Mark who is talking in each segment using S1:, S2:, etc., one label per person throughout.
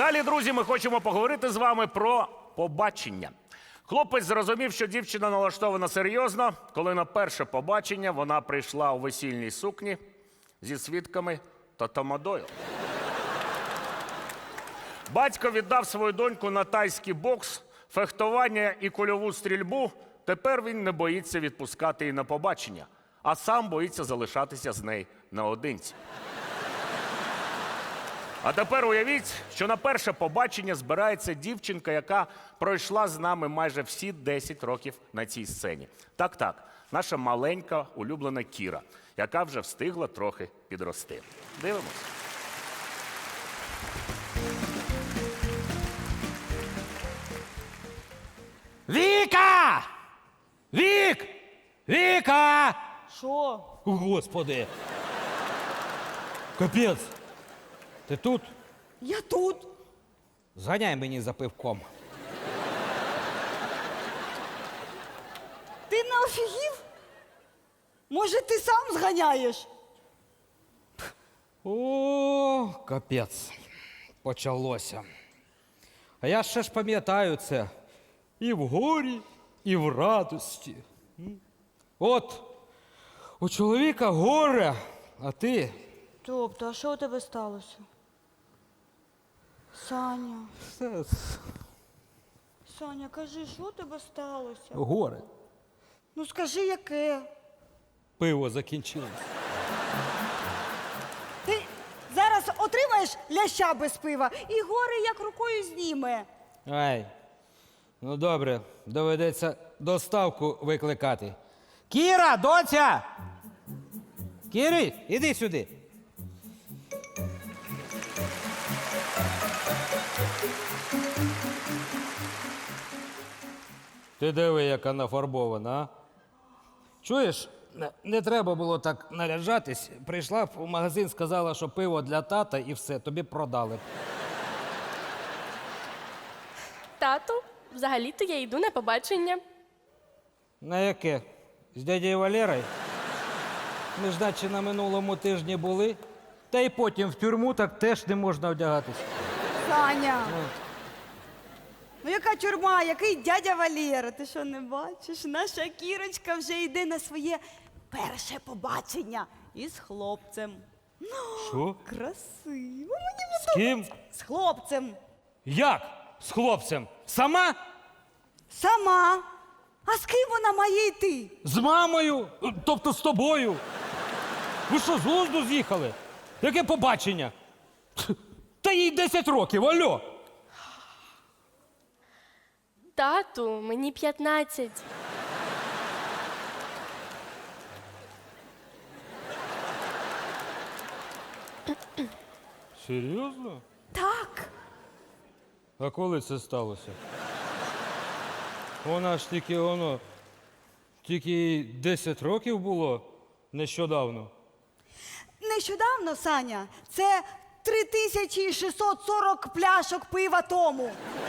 S1: Далі, друзі, ми хочемо поговорити з вами про побачення. Хлопець зрозумів, що дівчина налаштована серйозно, коли на перше побачення вона прийшла у весільній сукні зі свідками та тамадою. Батько віддав свою доньку на тайський бокс, фехтування і кульову стрільбу. Тепер він не боїться відпускати її на побачення, а сам боїться залишатися з нею наодинці. А тепер уявіть, що на перше побачення збирається дівчинка, яка пройшла з нами майже всі 10 років на цій сцені. Так, наша маленька улюблена Кіра, яка вже встигла трохи підрости. Дивимось.
S2: Віка! Віка!
S3: Що?
S2: Господи! Капець! Ти тут?
S3: Я тут.
S2: Зганяй мені за пивком.
S3: Ти не офігів? Може, ти сам зганяєш?
S2: О, капець. Почалося. А я ще ж пам'ятаю це. І в горі, і в радості. От, у чоловіка горе, а ти...
S3: Тобто, а що у тебе сталося? Саня, Саня, кажи, що у тебе сталося?
S2: Горе.
S3: Ну скажи, яке?
S2: Пиво закінчилось.
S3: Ти зараз отримаєш ляща без пива і горе як рукою зніме.
S2: Ай, ну добре, доведеться доставку викликати. Кіра, доця! Кірі, іди сюди. Ти диви, яка нафарбована, а? Чуєш, не треба було так наряджатись. Прийшла в магазин, сказала, що пиво для тата і все, тобі продали.
S4: Тату, взагалі-то я йду на побачення.
S2: На яке? З дядєю Валерою? Ми ж наче на минулому тижні були. Та й потім в тюрму так теж не можна вдягатись.
S3: Саня! Ну яка тюрма, який дядя Валєра? Ти що, не бачиш? Наша Кірочка вже йде на своє перше побачення із хлопцем.
S2: Що?
S3: Красиво.
S2: З ким?
S3: З хлопцем.
S2: Як? З хлопцем? Сама?
S3: Сама. А з ким вона має йти?
S2: З мамою? Тобто з тобою? Ви що, з глузду з'їхали? Яке побачення? Та їй 10 років, алло!
S4: Тату, мені 15.
S2: Серйозно?
S3: Так.
S2: А коли це сталося? Вона ж тільки їй 10 років було нещодавно.
S3: Нещодавно, Саня, це 3640 пляшок пива тому.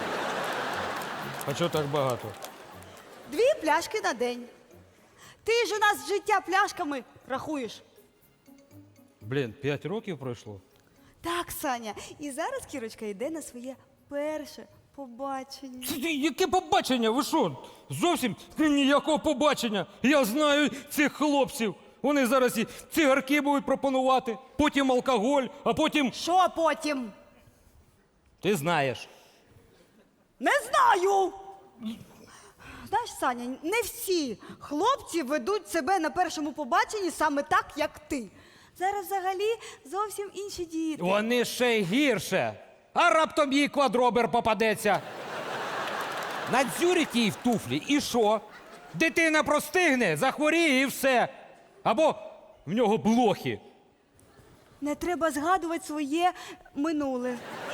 S2: А чого так багато?
S3: 2 пляшки на день. Ти ж у нас життя пляшками рахуєш.
S2: Блін, 5 років пройшло?
S3: Так, Саня. І зараз Кірочка йде на своє перше побачення.
S2: Яке побачення? Ви що? Зовсім ніякого побачення. Я знаю цих хлопців. Вони зараз і цигарки будуть пропонувати, потім алкоголь, а потім...
S3: Що потім?
S2: Ти знаєш.
S3: Не знаю. Знаєш, Саня, не всі хлопці ведуть себе на першому побаченні саме так, як ти. Зараз взагалі зовсім інші діти.
S2: Вони ще й гірше. А раптом їй квадробер попадеться. Надзюрить їй в туфлі і що? Дитина простигне, захворіє і все. Або в нього блохи.
S3: Не треба згадувати своє минуле.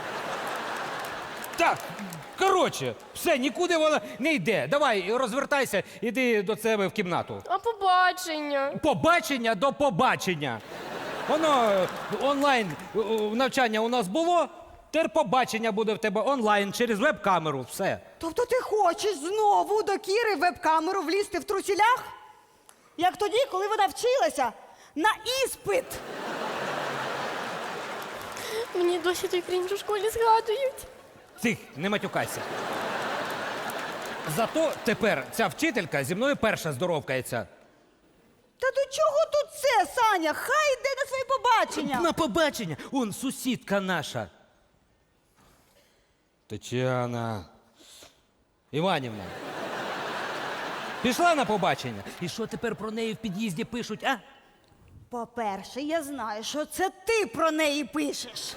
S2: Так, коротше, все, нікуди вона не йде. Давай, розвертайся, іди до себе в кімнату.
S4: А побачення?
S2: Побачення до побачення. Воно онлайн навчання у нас було, тепер побачення буде в тебе онлайн через веб-камеру, все.
S3: Тобто ти хочеш знову до Кіри в веб-камеру влізти в трусілях? Як тоді, коли вона вчилася на іспит.
S4: Мені досі той крінж у школі згадують.
S2: Тих, не матюкайся. Зато тепер ця вчителька зі мною перша здоровкається.
S3: Та до чого тут це, Саня? Хай йде на своє побачення.
S2: На побачення! Он сусідка наша. Тетяна Іванівна. Пішла на побачення. І що тепер про неї в під'їзді пишуть, а?
S3: По-перше, я знаю, що це ти про неї пишеш.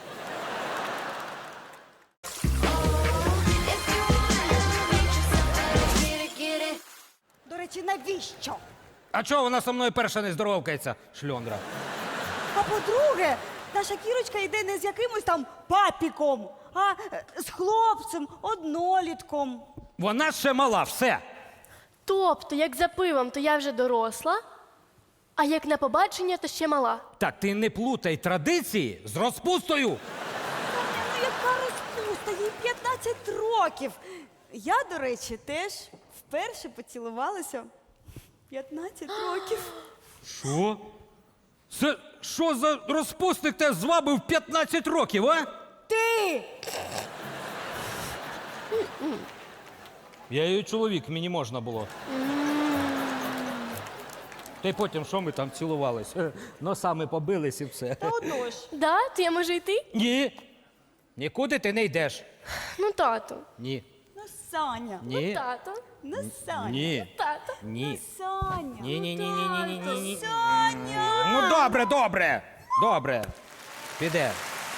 S3: До речі, навіщо?
S2: А чого вона со мною перша не здоровкається, шльондра?
S3: А по-друге, наша Кірочка йде не з якимось там папіком, а з хлопцем, однолітком.
S2: Вона ще мала, все.
S4: Тобто, як за пивом, то я вже доросла, а як на побачення, то ще мала.
S2: Так ти не плутай традиції з розпустою.
S3: Ну, яка розпуста, їй 15 років. Я, до речі, теж вперше поцілувалася 15 років.
S2: Що? Це що за розпусник тебе звабив 15 років, а?
S3: Ти!
S2: Я її чоловік, мені можна було. Та й потім, що ми там цілувались? Носами побились і все.
S3: Та одно ж.
S4: Да, то я можу йти?
S2: Ні. Нікуди ти не йдеш.
S4: Ну, тато.
S2: Ні.
S3: Ну, Саня.
S2: Ні.
S4: Тато.
S3: Ну, Саня.
S2: Ні.
S4: Тато.
S3: Ну,
S2: Ні.
S3: Саня.
S2: Ні.
S3: Саня.
S2: Ну добре, добре. Добре. Піде.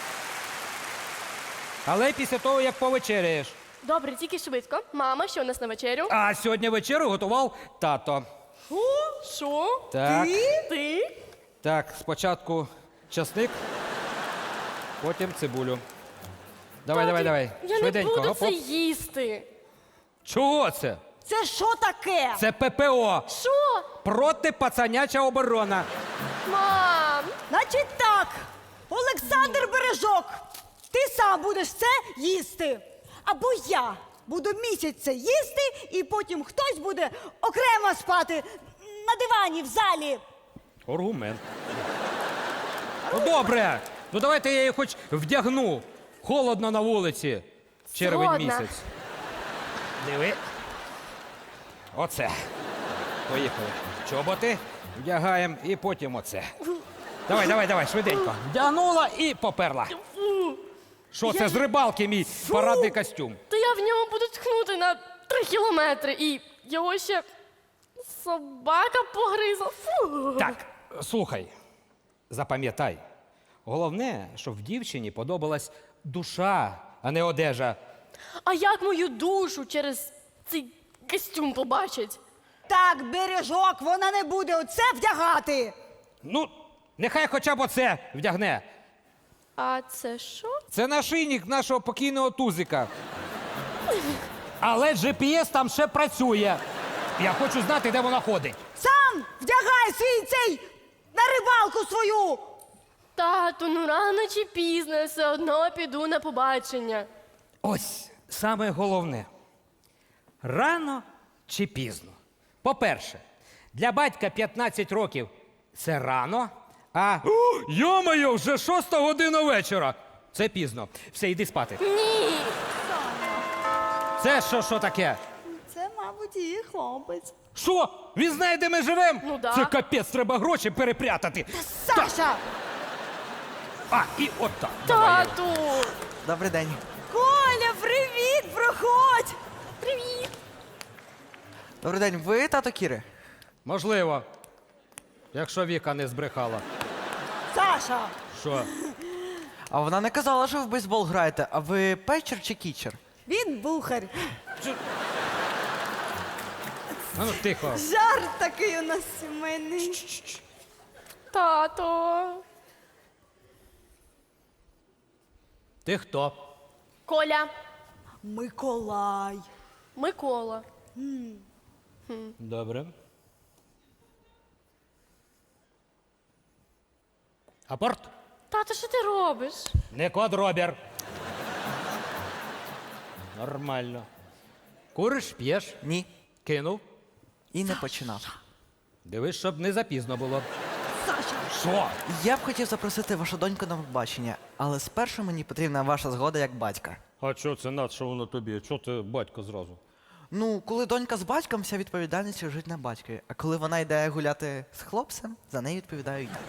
S2: Але після того, як повечеряєш.
S4: Добре, тільки швидко. Мама, що у нас на вечерю?
S2: А сьогодні вечерю готував тато.
S4: Що?
S2: Так.
S4: Ти?
S2: Так, спочатку часник, потім цибулю. Давай.
S4: Я
S2: Швиденько.
S4: не буду
S2: Гоп,
S4: це
S2: гоп.
S4: їсти.
S2: Чого це?
S3: Це що таке?
S2: Це ППО.
S4: Що?
S2: Протипацаняча оборона.
S4: Мам!
S3: Значить так, Олександр Бережок, ти сам будеш це їсти. Або я буду місяць це їсти, і потім хтось буде окремо спати на дивані в залі.
S2: Аргумент. Ну добре. Ну давайте я її хоч вдягну. Холодно на вулиці. Червень
S4: Згодна.
S2: місяць. Диви. Оце. Поїхали. Чоботи вдягаємо і потім оце. Давай, швиденько. Вдягнула і поперла. Що це з рибалки мій парадний костюм?
S4: То я в ньому буду тхнути на 3 кілометри і його ще собака погризла. Фу.
S2: Так, слухай, запам'ятай. Головне, щоб в дівчині подобалась душа, а не одежа.
S4: А як мою душу через цей костюм побачить?
S3: Так, Бережок, вона не буде оце вдягати.
S2: Ну, нехай хоча б оце вдягне.
S4: А це що?
S2: Це нашийник нашого покійного тузика. Але GPS там ще працює. Я хочу знати, де вона ходить.
S3: Сам вдягай свій цей на рибалку свою.
S4: Тату, ну рано чи пізно я все одно піду на побачення.
S2: Ось саме головне. Рано чи пізно. По-перше, для батька 15 років це рано, а йо-моє, вже 6 година вечора. Це пізно. Все, йди спати.
S4: Ні.
S2: Це що таке?
S3: Це, мабуть, її хлопець.
S2: Що? Він знає, де ми живемо?
S4: Ну да.
S2: Це капець, треба гроші перепрятати.
S3: Саша!
S2: А, і отак. Давай, Єва.
S4: Тату.
S5: Добрий день.
S3: Коля, привіт! Проходь!
S4: Привіт.
S5: Добрий день. Ви тато Кіри?
S2: Можливо. Якщо Віка не збрехала.
S3: Саша!
S2: Що?
S5: А вона не казала, що ви в бейсбол граєте. А ви печер чи кічер?
S3: Він бухар.
S2: А ну тихо.
S3: Жарт такий у нас сімейний.
S4: Тато.
S2: Ти хто?
S4: Коля.
S3: Миколай.
S4: Микола.
S2: Добре. Апорт?
S4: Тато, що ти робиш?
S2: Не квадробір. Нормально. Куриш, п'єш,
S5: Ні.
S2: кинув.
S5: І не починав.
S2: Дивись, щоб не запізно було.
S3: Саша!
S2: Що?
S5: Я б хотів запросити вашу доньку на побачення, але спершу мені потрібна ваша згода як батька.
S2: А що це над, що воно тобі? Чого ти батько зразу?
S5: Ну, коли донька з батьком, вся відповідальність лежить на батькові. А коли вона йде гуляти з хлопцем, за неї відповідаю я.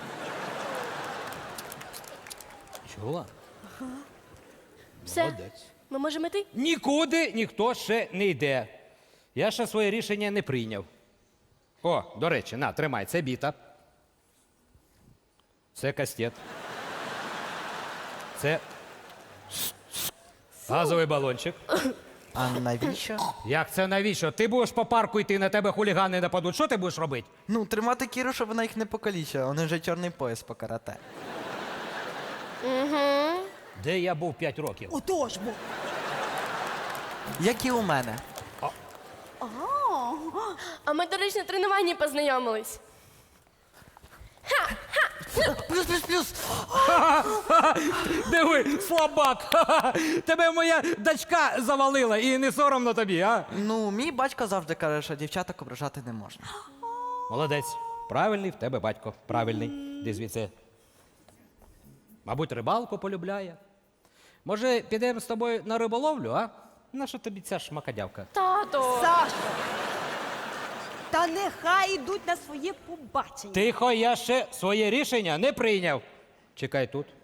S2: Чула?
S4: Все,
S2: Молодець.
S4: ми можемо йти?
S2: Нікуди ніхто ще не йде. Я ще своє рішення не прийняв. О, до речі, на, тримай, це біта. Це кастет. Це газовий балончик.
S5: А навіщо?
S2: Як це навіщо? Ти будеш по парку йти, на тебе хулігани нападуть. Що ти будеш робити?
S5: Ну, тримати Кіру, щоб вона їх не покалічила. У них вже чорний пояс по карате.
S2: Де я був 5 років?
S3: Отож бо.
S5: Як і у мене.
S4: А ми, до речі, на тренуванні познайомились.
S5: Плюс!
S2: Диви, слабак! Тебе моя дочка завалила і не соромно тобі, а?
S5: Ну, мій батько завжди каже, що дівчаток ображати не можна.
S2: Молодець. Правильний в тебе батько. Правильний. Де звідси? Мабуть, рибалку полюбляє. Може, підемо з тобою на риболовлю, а? Наша тобі ця шмакодявка?
S4: Тато!
S3: Саша! Та нехай йдуть на своє побачення.
S2: Тихо, я ще своє рішення не прийняв. Чекай тут.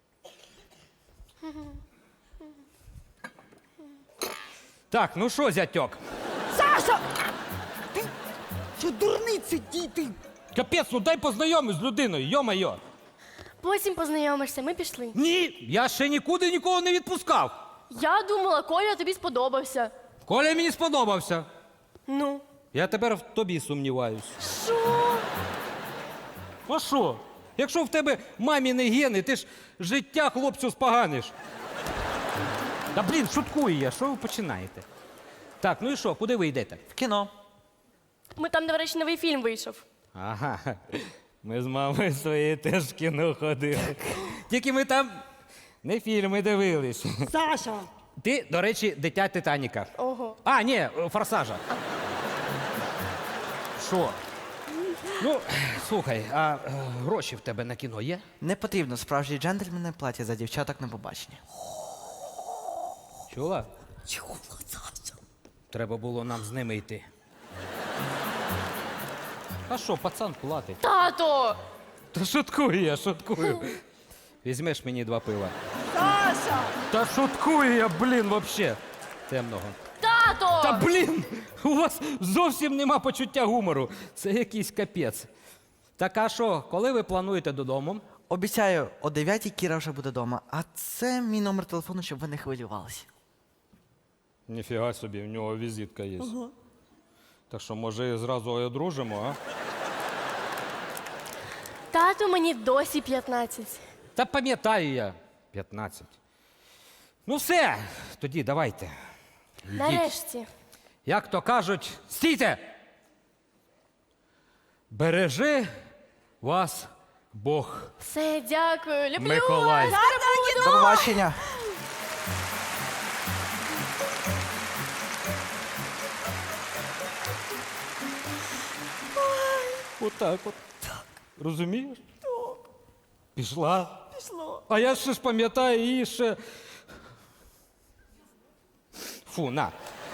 S2: Так, ну що, зятьок?
S3: Саша! Ти що дурниці, діти?
S2: Капець, ну дай познайомись з людиною, йо-майо.
S4: Потім познайомишся, ми пішли.
S2: Ні, я ще нікуди нікого не відпускав.
S4: Я думала, Коля тобі сподобався.
S2: Коля мені сподобався.
S4: Ну,
S2: Я тепер в тобі сумніваюсь.
S4: що?
S2: А що? Якщо в тебе маміни гени, ти ж життя хлопцю споганиш. Та блін, шуткую я, що ви починаєте? Так, ну і що, куди ви йдете?
S5: В кіно.
S4: Ми там, до речі, новий фільм вийшов.
S2: Ага, ми з мамою своєю теж в кіно ходили. Тільки ми там не фільми дивились.
S3: Саша!
S2: Ти, до речі, дитя Титаніка.
S4: Ого.
S2: А, ні, Форсажа. Що? Ну, слухай, а гроші в тебе на кіно є?
S5: Не потрібно справжні джентльмени платять за дівчаток на побачення.
S2: Чула?
S3: Чого, Саша?
S2: Треба було нам з ними йти. А що, пацан платить?
S4: Тато!
S2: Та шуткую я, шуткую. Візьмеш мені 2 пива.
S3: Саша!
S2: Та шуткую я, блін, вообще. Темного.
S4: Тато!
S2: Та блін! У вас зовсім нема почуття гумору. Це якийсь капець. Так а що, коли ви плануєте додому?
S5: Обіцяю, о 9-й Кіра вже буде вдома. А це мій номер телефону, щоб ви не хвилювалися.
S2: Ніфіга собі, в нього візитка є. Так що, може, зразу одружимо, а?
S4: Тату, мені досі 15.
S2: Та пам'ятаю я. 15. Ну все, тоді давайте. Йдіть.
S4: Нарешті.
S2: Як то кажуть, стійте! Бережи вас Бог.
S4: Все, дякую. Люблю
S2: Миколай.
S4: вас.
S5: До побачення.
S2: Отак от. Розумієш? Пішла.
S3: Пішло.
S2: А я ще ж пам'ятаю її ще. Фу, на.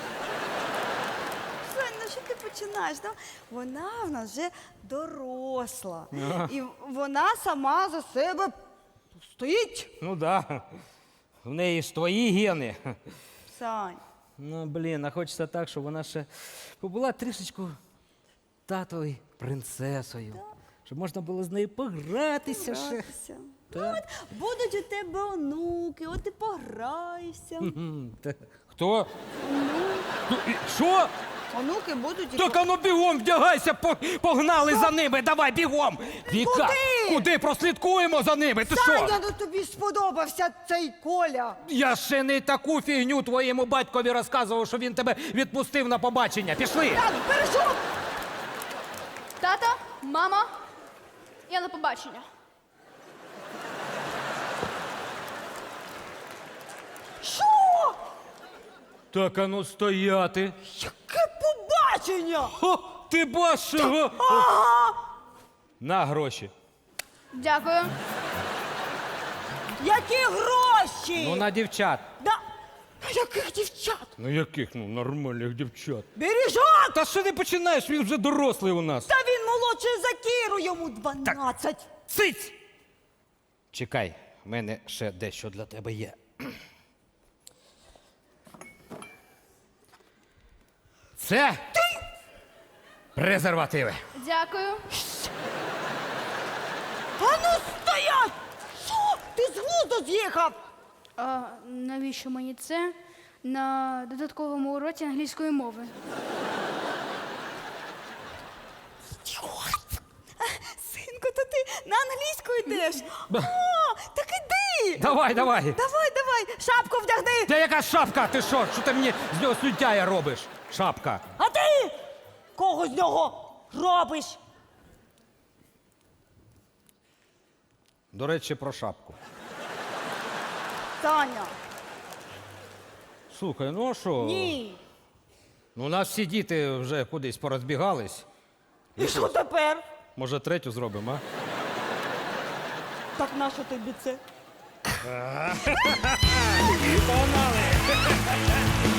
S3: Сонь, ну що ти починаєш? Ну, вона в нас вже доросла. І вона сама за себе стоїть.
S2: Ну да. В неї ж твої гени.
S3: Сань.
S2: Ну, блін, а хочеться так, щоб вона ще побула трішечку татовою принцесою. Щоб можна було з нею погратися ще.
S3: Гратися. Ну, от будуть у тебе онуки, от ти пограєшся.
S2: Хто? Що?
S3: Онуки будуть і
S2: Так ану бігом вдягайся, погнали за ними, давай бігом! Віка,
S3: Куди?
S2: куди прослідкуємо за ними? Ти
S3: Саня,
S2: що?
S3: ну тобі сподобався цей Коля.
S2: Я ще не таку фігню твоєму батькові розказував, що він тебе відпустив на побачення. Пішли!
S3: Так, бережу.
S6: Тато, мама, я на побачення.
S3: Що?
S2: Так ану стояти.
S3: Яке побачення?
S2: О, ти бачиш?
S3: Ага.
S2: На гроші.
S6: Дякую.
S3: Які гроші?
S2: Ну, на дівчат.
S3: Да. А яких дівчат?
S2: Ну яких? Ну, нормальних дівчат.
S3: Бережок!
S2: Та що ти починаєш? Він вже дорослий у нас.
S3: Та він молодший за Кіру, йому 12.
S2: Цить! Чекай, в мене ще дещо для тебе є. Це презервативи.
S6: Дякую.
S3: А ну стоять! Що? Ти з глузду з'їхав?
S6: А навіщо мені це на додатковому уроці англійської мови?
S3: Синку, то ти на англійську йдеш? О, так іди!
S2: Давай, давай.
S3: Давай, шапку вдягни!
S2: Та яка шапка? Ти що? Що ти мені з нього сутяя робиш? Шапка.
S3: А ти кого з нього робиш?
S2: До речі, про шапку.
S3: Таня,
S2: Слухай, ну а що?
S3: ні.
S2: Ну, у нас всі діти вже кудись порозбігались.
S3: І що тепер?
S2: Може, третю зробимо, а?
S3: Так нащо тобі це?
S1: Погнали!